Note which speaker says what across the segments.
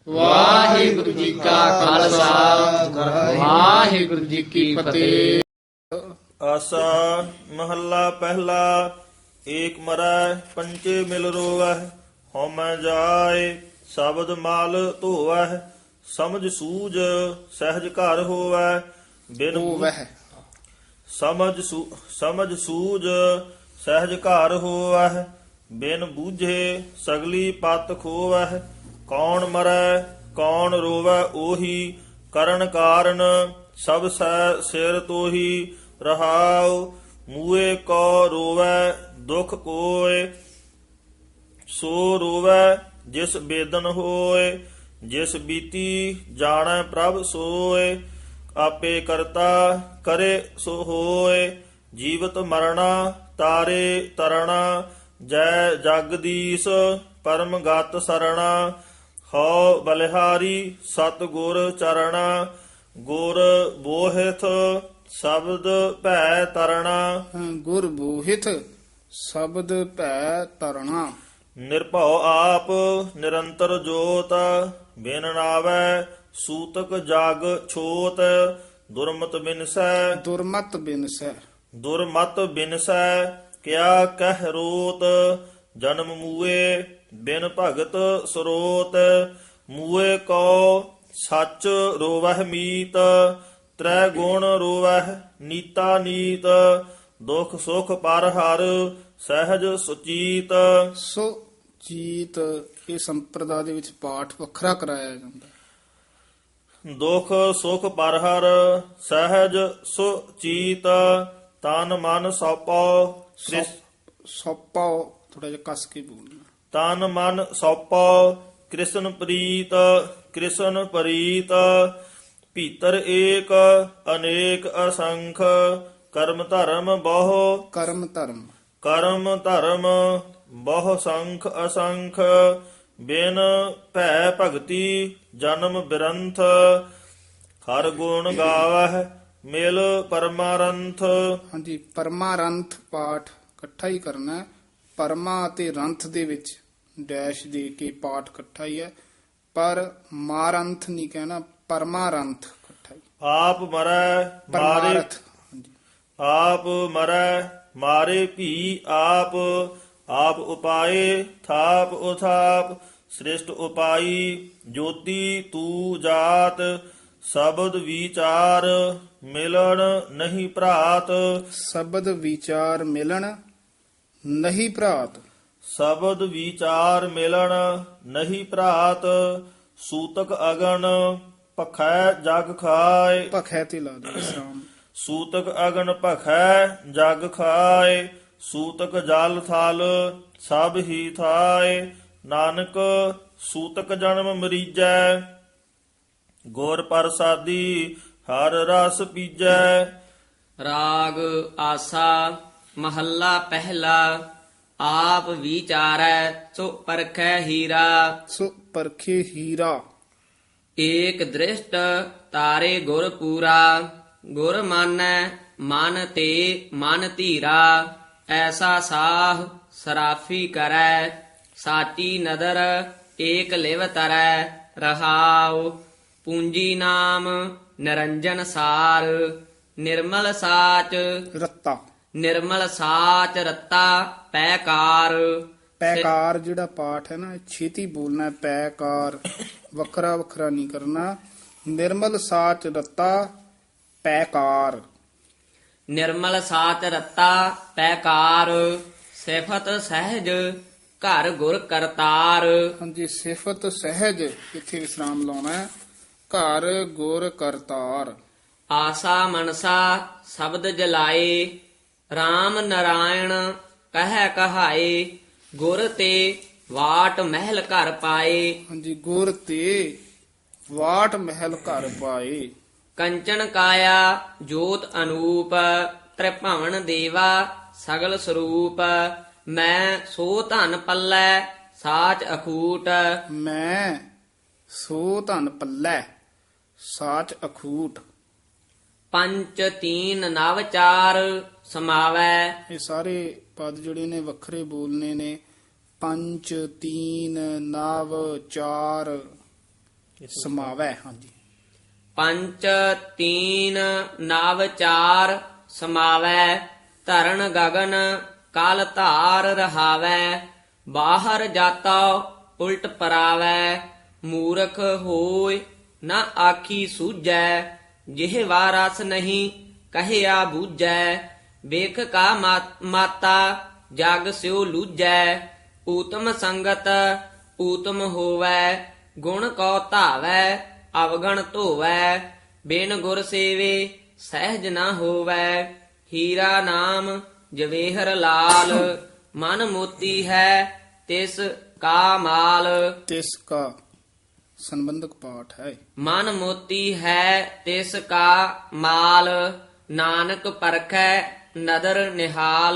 Speaker 1: ਵਾਹਿਗੁਰੂ ਜੀ ਕਾ ਖਾਲਸਾ ਵਾਹਿਗੁਰੂ ਜੀ ਕੀ ਫਤਿਹ।
Speaker 2: ਆਸਾ ਮਹੱਲਾ ਪਹਿਲਾ। ਏਕ ਮਰੈ ਪੰਚੇ ਮਿਲ ਰੋਵਹਿ, ਹਉਮੈ ਜਾਏ ਸ਼ਬਦ ਮਾਲ ਧੋਵਹਿ। ਸਮਝ ਸੂਝ ਸਹਿਜ ਘਰ ਹੋਵੈ, ਬਿਨ
Speaker 1: ਵਹਿ
Speaker 2: ਸਮਝ ਸੂਝ ਸਹਿਜ ਘਰ ਹੋਵਹਿ, ਬਿਨ ਬੂਝੇ ਸਗਲੀ ਪਤ ਖੋਵਹਿ। ਕੌਣ ਮਰੈ ਕੌਣ ਰੋਵੈ ਉਹੀ, ਕਰਨ ਕਾਰਨ ਸਭ ਸਿਰ ਤੋਹੀ। ਰਹਾਉ ਮੂਏ ਕੋ ਰੋਵੈ ਦੁਖ ਕੋਇ, ਸੋ ਰੋਵੈ ਜਿਸ ਬੇਦਨ ਹੋਏ। ਜਿਸ ਬੀਤੀ ਜਾਣੈ ਪ੍ਰਭ ਸੋਏ, ਆਪੇ ਕਰਤਾ ਕਰੇ ਸੋ ਹੋਏ। ਜੀਵਤ ਮਰਣਾ ਤਾਰੇ ਤਰਣਾ, ਜੈ ਜਗਦੀਸ਼ ਪਰਮ ਗਤ ਸਰਣਾ। ਹਉ ਬਲਿਹਾਰੀ ਸਤ ਗੁਰ ਚਰਣਾ, ਗੁਰ ਬੋਹਿਥ ਸ਼ਬਦ ਭੈ ਤਰਣਾ।
Speaker 1: ਗੁਰ ਬੋਹਿਤ ਸ਼ਬਦ ਭੈ ਤਰਣਾ।
Speaker 2: ਨਿਰਭਉ ਆਪ ਨਿਰੰਤਰ ਜੋਤ, ਬਿਨ ਨਾਵੈ ਸੂਤਕ ਜਗ ਛੋਤ। ਦੁਰਮਤ ਬਿਨਸੈ
Speaker 1: ਦੁਰਮਤ ਬਿਨਸੈ
Speaker 2: ਦੁਰਮਤ ਬਿਨਸੈ, ਕਿਆ ਕਹਿ ਰੋਤ। ਜਨਮ ਮੂਏ ਬਿਨ ਭਗਤ ਸਰੋਤ, ਮੂਏ ਕੋ ਸੱਚ ਰੋਵਹਿ ਮੀਤ। ਤ੍ਰੈ ਗੁਣ ਰੋਵਹਿ ਨੀਤਾ ਨੀਤ, ਦੁਖ ਸੁਖ ਪਰ ਹਰ ਸਹਿਜ ਸੁਚੀਤ।
Speaker 1: ਸੋ ਜੀਤ ਇਹ ਸੰਪਰਦਾ ਦੇ ਵਿੱਚ ਪਾਠ ਵੱਖਰਾ ਕਰਾਇਆ ਜਾਂਦਾ।
Speaker 2: ਦੁਖ ਸੁਖ ਪਰ ਹਰ ਸਹਿਜ ਸੁਚੀਤ, ਤਨ ਮਨ ਸੌਪੋ
Speaker 1: ਸੌਪਾਓ ਥੋੜਾ ਜਿਹਾ ਕੱਸ ਕੇ ਬੋਲਣਾ।
Speaker 2: ਤਨ ਮਨ ਸੌਪੋ ਕ੍ਰਿਸ਼ਨ ਪ੍ਰੀਤ, ਕ੍ਰਿਸ਼ਨ ਪ੍ਰੀਤ। ਭੀਤਰ ਏਕ ਅਨੇਕ ਅਸੰਖ, ਕਰਮ ਧਰਮ ਬਹੁ
Speaker 1: ਕਰਮ ਧਰਮ
Speaker 2: ਕਰਮ ਧਰਮ ਬਹੁ ਸੰਖ ਅਸੰਖ। ਬਿਨ ਭੈ ਭਗਤੀ ਜਨਮ ਬਿਰੰਥ, ਹਰ ਗੁਣ ਗਾਵਹਿ ਮਿਲ ਪਰਮਾਰੰਥ।
Speaker 1: ਹਾਂਜੀ, ਪਰਮਾਰੰਥ ਪਾਠ ਇਕੱਠਾ ਹੀ ਕਰਨਾ ਹੈ। ਪਰਮਾ ਅਤੇ ਰੰਥ ਦੇ ਵਿੱਚ ਡੈਸ਼ ਦੇ ਕੇ ਪਾਠ ਇਕੱਠਾ ਹੀ ਹੈ, ਪਰ ਮਾਰੰਥ ਨਹੀਂ ਕਹਿਣਾ, ਪਰਮਾਰੰਥ ਇਕੱਠਾ ਹੀ।
Speaker 2: ਆਪ ਮਰੈ ਮਾਰੇ
Speaker 1: ਪਰਮਾਰਥ ਹਾਂਜੀ।
Speaker 2: ਆਪ ਮਰੈ ਮਾਰੇ ਭੀ ਆਪ, ਆਪ ਉਪਾਏ ਥਾਪ ਉਥਾਪ। ਸ੍ਰਿਸ਼ਟ ਉਪਾਈ ਜੋਤੀ ਤੂ ਜਾਤ, ਸ਼ਬਦ ਵਿਚਾਰ ਮਿਲਣ ਨਹੀਂ ਭਰਾਤ।
Speaker 1: ਸ਼ਬਦ ਵਿਚਾਰ ਮਿਲਣ ਨਹੀਂ ਭਰਾਤ।
Speaker 2: ਸ਼ਬਦ ਵਿਚਾਰ ਮਿਲਣ ਨਹੀਂ ਭਰਾਤ। ਸੂਤਕ ਅਗਨ ਭਖੈ ਜਗ ਖਾਏ,
Speaker 1: ਭਖੈ ਤੇ ਲਾ ਦੇ ਵਿਸਰਾਮ।
Speaker 2: ਸੂਤਕ ਅਗਨ ਭਖੈ ਜਗ ਖਾਏ। ਸੂਤਕ ਜਲ ਥਲ ਸਭ ਹੀ ਥਾਏ, ਨਾਨਕ ਸੂਤਕ ਜਨਮ ਮਰੀਜੈ। ਗੁਰ ਪ੍ਰਸਾਦੀ ਹਰ ਰਸ ਪੀਜੈ।
Speaker 3: ਰਾਗ ਆਸਾ ਮਹੱਲਾ ਪਹਿਲਾ। ਆਪ ਵਿਚਾਰੈ ਸੋ ਪਰਖੈ ਹੀਰਾ,
Speaker 1: ਸੋ ਪਰਖੇ ਹੀਰਾ।
Speaker 3: ਏਕ ਦ੍ਰਿਸ਼ਟ ਤਾਰੇ ਗੁਰ ਪੂਰਾ। ਗੁਰ ਮਾਨੈ ਮਨ ਤੇ ਮਨ ਧੀਰਾ, ਐਸਾ ਸਾਹ ਸਰਾਫੀ ਕਰੈ। ਸਾਚੀ ਨਦਰ ਏਕ ਲਿਵ ਤਰੈ, ਰਹਾਉ ਪੂੰਜੀ ਨਾਮ ਨਿਰੰਜਨ ਸਾਰ। ਨਿਰਮਲ ਸਾਚ
Speaker 1: ਰੱਤਾ
Speaker 3: ਨਿਰਮਲ ਸਾਚ ਰੱਤਾ ਪੈਕਾਰ।
Speaker 1: ਪੈਕਾਰ ਜਿਹੜਾ ਪਾਠ ਹੈ ਨਾ, ਇਹ ਛੇਤੀ ਬੋਲਣਾ ਹੈ। ਪੈਕਾਰ ਵੱਖਰਾ ਵੱਖਰਾ ਨਹੀਂ ਕਰਨਾ। ਨਿਰਮਲ ਸਾਚ ਰੱਤਾ ਪੈਕਾਰ।
Speaker 3: ਨਿਰਮਲ ਸਾਚ ਰੱਤਾ ਪੈਕਾਰ, ਸਿਫਤ ਸਹਿਜ ਘਰ ਗੁਰ ਕਰਤਾਰ।
Speaker 1: ਹਾਂਜੀ, ਸਿਫਤ ਸਹਿਜ ਇੱਥੇ ਵਿਸਰਾਮ ਲਾਉਣਾ ਹੈ। ਘਰ ਗੁਰ ਕਰਤਾਰ।
Speaker 3: ਆਸਾ ਮਨਸਾ ਸ਼ਬਦ ਜਲਾਏ, RAM ਨਰਾਇਣ ਕਹਿ ਕਹਾਏ। ਗੁਰ ਤੇ ਵਾਟ ਮਹਿਲ ਘਰ ਪਾਏ,
Speaker 1: ਹਾਂਜੀ, ਗੁਰ ਤੇ ਵਾਟ ਮਹਿਲ ਘਰ ਪਾਏ।
Speaker 3: ਕੰਚਨ ਕਾਇਆ ਜੋਤ ਅਨੂਪ, ਤ੍ਰਿਭਵਨ ਦੇਵਾ ਸਗਲ ਸਰੂਪ। ਮੈਂ ਸੋ ਧਨ ਪੱਲੇ ਸਾਚ ਅਖੂਟ,
Speaker 1: ਮੈਂ ਸੋ ਧਨ ਪੱਲੇ ਸਾਚ ਅਖੂਟ।
Speaker 3: ਪੰਚ ਤੀਨ ਨਵ ਚਾਰ ਸਮਾਵੈ।
Speaker 1: ਇਹ ਸਾਰੇ ਪਦ ਜਿਹੜੇ ਨੇ ਵੱਖਰੇ ਬੋਲਨੇ ਨੇ। ਪੰਜ ਤੀਨ ਨਵ ਚਾਰ ਸਮਾਵੈ। ਹਾਂਜੀ,
Speaker 3: ਪੰਚ ਤੀਨ ਨਵ ਚਾਰ ਸਮਾਵੈ। ਧਰਨ ਗਗਨ ਕਾਲ ਧਾਰ ਰਹਾਵੈ। ਬਾਹਰ ਜਾਤਾ ਉਲਟ ਪਰਾਵੈ। ਮੂਰਖ ਹੋਇ ਨਾ ਆਖੀ ਸੂਝੈ। ਜਿਹਵਾ ਰਸ ਨਹੀਂ ਕਹਿਆ ਬੂਝੈ। ਵੇਖ ਕਾ ਮਾਤਾ ਜਗ ਸਿਉ ਲੂਝੈ। ਊਤਮ ਸੰਗਤ ਊਤਮ ਹੋਵੈ। ਗੁਣ ਕਉ ਧਾਵੈ ਅਵਗਣ ਧੋਵੈ। ਬਿਨ ਗੁਰ ਸੇਵੇ ਸਹਿਜ ਨਾ ਹੋਵੈ। ਹੀਰਾ ਨਾਮ ਜਵੇਹਰ ਲਾਲ। ਮਨ ਮੋਤੀ ਹੈ ਤਿਸ ਕਾ ਮਾਲ।
Speaker 1: ਤਿਸ ਕਾ ਸੰਬੰਧਕ ਪਾਠ ਹੈ।
Speaker 3: ਮਨ ਮੋਤੀ ਹੈ ਤਿਸ ਕਾ ਮਾਲ। ਨਾਨਕ ਪਰਖੈ ਨਦਰ ਨਿਹਾਲ।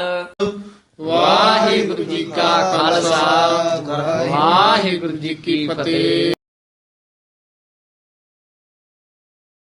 Speaker 1: ਵਾਹਿਗੁਰੂ ਜੀ ਕਾ ਖਾਲਸਾ, ਵਾਹਿਗੁਰੂ ਜੀ ਕੀ ਫਤਿਹ।